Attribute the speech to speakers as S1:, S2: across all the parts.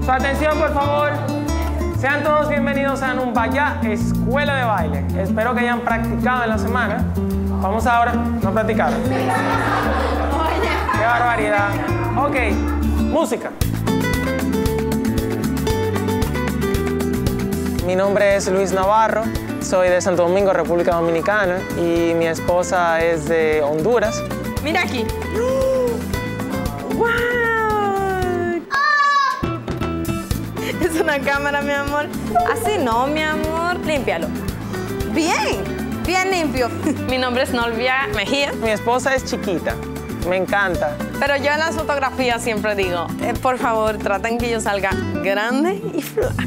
S1: Su atención, por favor. Sean todos bienvenidos a Numbaya Escuela de Baile. Espero que hayan practicado en la semana. Vamos ahora, no practicaron. ¡Qué barbaridad! Ok, música. Mi nombre es Luis Navarro, soy de Santo Domingo, República Dominicana, y mi esposa es de Honduras.
S2: Mira aquí. ¡Wow! Es una cámara, mi amor. Así no, mi amor. Límpialo. Bien, bien limpio. Mi nombre es Nolvia Mejía.
S1: Mi esposa es chiquita, me encanta.
S2: Pero yo en las fotografías siempre digo, por favor, traten que yo salga grande y flaca.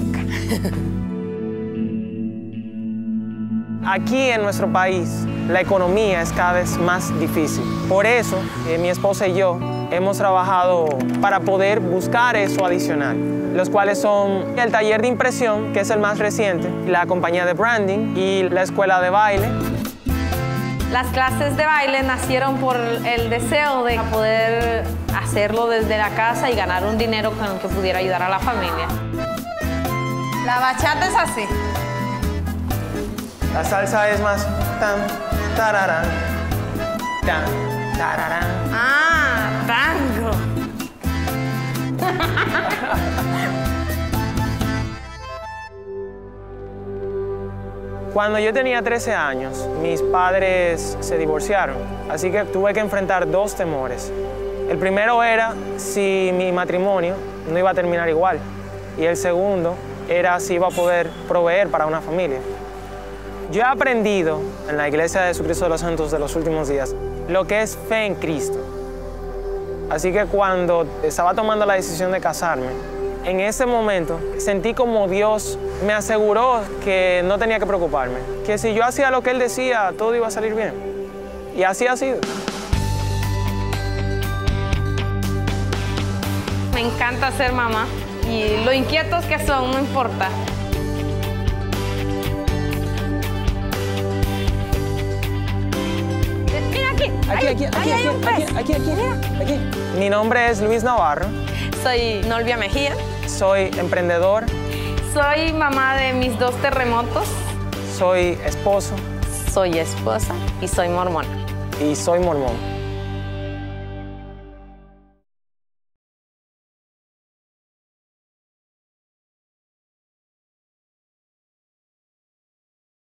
S1: Aquí en nuestro país, la economía es cada vez más difícil. Por eso, mi esposa y yo hemos trabajado para poder buscar eso adicional, los cuales son el taller de impresión, que es el más reciente, la compañía de branding y la escuela de baile.
S2: Las clases de baile nacieron por el deseo de poder hacerlo desde la casa y ganar un dinero con el que pudiera ayudar a la familia. La bachata es así.
S1: La salsa es más tan, tararán, tan, tararán.
S2: Ah, tango.
S1: Cuando yo tenía 13 años, mis padres se divorciaron, así que tuve que enfrentar dos temores. El primero era si mi matrimonio no iba a terminar igual, y el segundo era si iba a poder proveer para una familia. Yo he aprendido en la Iglesia de Jesucristo de los Santos de los Últimos Días lo que es fe en Cristo. Así que cuando estaba tomando la decisión de casarme, en ese momento sentí como Dios me aseguró que no tenía que preocuparme, que si yo hacía lo que Él decía, todo iba a salir bien. Y así ha sido.
S2: Me encanta ser mamá y lo inquietos que son, no importa.
S1: Aquí. Mi nombre es Luis Navarro.
S2: Soy Nolvia Mejía.
S1: Soy emprendedor.
S2: Soy mamá de mis 2 terremotos.
S1: Soy esposo.
S2: Soy esposa y soy mormona.
S1: Y soy mormón.